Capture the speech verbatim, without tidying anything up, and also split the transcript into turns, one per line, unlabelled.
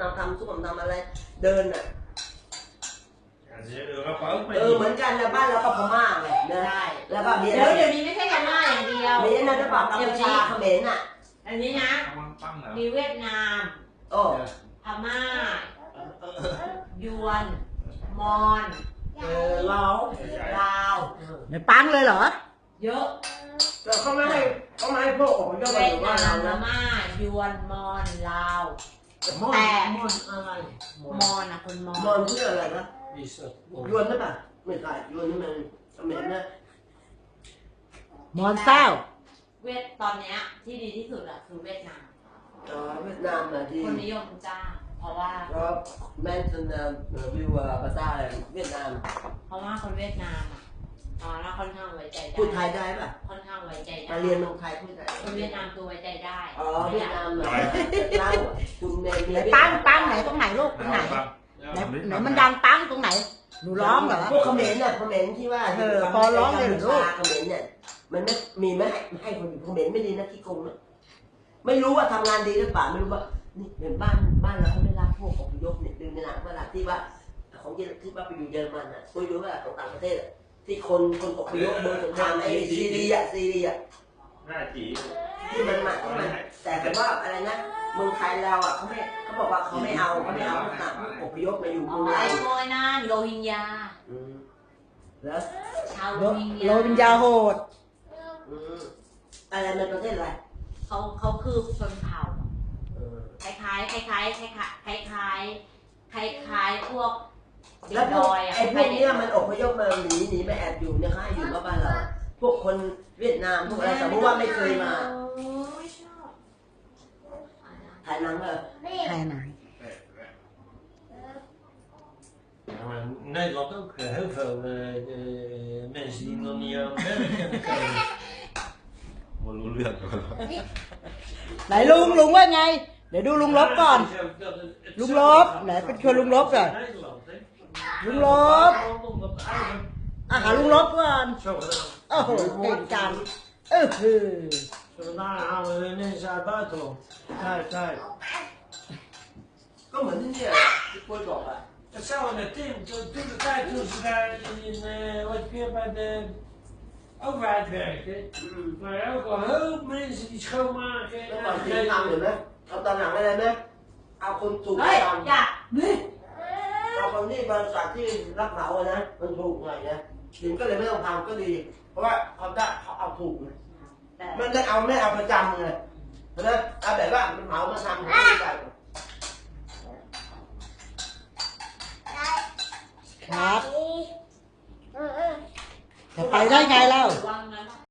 ทำส้วมทำอะไรเดินอ่ะเออเหมือนกันนะบ้านเราก็พม่าไงได้แล้วก็เดี๋ยวเดี๋ยวนี้ไม่ใช่พม่าอย่างเดียวมีนั่นหรือเปล่ากัมพูชาเขมรอ่ะอันนี้นะมีเวียดนามโอ้พม่ายวนมอญเออลาวลาว
ในปังเลยเหรอ
เยอะแต่เขาไม่ให้เขาไม่ให้พวกของเจ้าเวียดนามพม่ายวนมอญลาวแต่มอญอะไรมอญนะคนมอญมอญชื่ออะไรนะยวนใช่ป่ะไม่ใช่ยวนนี่มันเขมรนะ
มอนเศร้า
เวียดตอนนี้ที่ดีที่สุดอะคือเวียดนาม
อ๋อเวียดนามนะที่
คนนิยมจ้าเพราะว่า
ก็แม่นจนวิวภาษาเวียดนาม
เพราะว่าคนเวียดนามอะอ๋อแล้วค่อนข้างไว้ใจได้
พูดไทยได้ป่ะ
ค่อนข้างไว้ใจได้
มาเรียนเมืองไทยพูดไทย
คนเวียดนามตัวไว้ใจได้
อ๋อเวียดนามเหรอเล่าคุณเมย์
ปังปังไหนตรงไหนลูกตรงไหนไหนไหนมันดังปังตรงไหนหนูร้องเหรอ
พวกเขมรเนี่ยเขมรที่ว่า
เออพอร้องเลยหรือลูก
เขมรเนี่ยมันไม่มีไม่ให้ให้คนอยู่เขมรไม่ดีนะที่กงนะไม่รู้ว่าทำงานดีหรือเปล่าไม่รู้ว่านี่เป็นบ้านบ้านเราเขาไม่รับพวกอพยพเนี่ยดึงในหนังเวลาที่ว่าของที่ว่าไปอยู่เยอรมันอ่ะคุยดูว่าของต่างประเทศที่คนคนอพยพเมืองสงครามไอ้ซีเรียซีเรีย
น่าจี
ที่มันมาที่มันแต่แต่ว่าอะไรนะเมืองไทยเราอ่ะเขาไม่เขาบอกว่าเขาไม่เอาเขาไม่เอาพวกต่างอพยพมาอยู่เมืองไทย
โอยนั่นโรฮิงญา
แล้ว
ชาวโรฮิงญา
โรฮิงญาโหด
อะไรในประเทศอะไร
เขาเขาคือชนเผ่าคล้ายคล้ายคล้ายคล้ายคล้ายคล้ายคล้ายคล้ายพวก
แล้วพวกไอ้พวกนี้มันอพยพมาหนีหนีมาแอบอยู่เนี่ยค่ะอยู่บ้านเราพวกคนเวียดนามพวกอะไรสมมติว่าไม่เคยมาถ่ายหนังเหรอ
ถ่ายหนัง
Nederland ook heel veel uh, uh, mensen die nog niet aan Amerika komen.
มันรู้เรื่องก่อน
ไหนลุงลุงว่าไงเดี๋ยวดูลุงลบก่อนลุงลบไหนเป็นชวนลุงลบก่อนลุงลบอาหาลุงลบก่อนโอ้โหเก่งจังเออคือ
Vandaag halen we ineens uit het buitenland.
ใช่ใช่ก็เหมือนที่เนี่ยที่ปุ้ยบอกอะ
Hetzelfde met Tim, toen, toen de tijd toen ze daar in, uh, wat weer bij de overheid werkten, mm. maar ook al heel veel mensen die schoonmaken.
แล้วตอนที่ทำเห็นไหมเอาตอนหลังอะไรไหมเอาคนถูกทำเอาคนที่บริษัทที่รับเหมาอะนะมันถูกหน่อยนะถึงก็เลยไม่ต้องทำก็ดี เพราะว่าเขาได้เขาเอาถูกเลยมันได้เอาไม่เอาประจำเลยเพราะฉะนั้นเอาแบบว่ามันเหมามาทำเขาไม่ได้
ครับจะไปได้ไงเล่า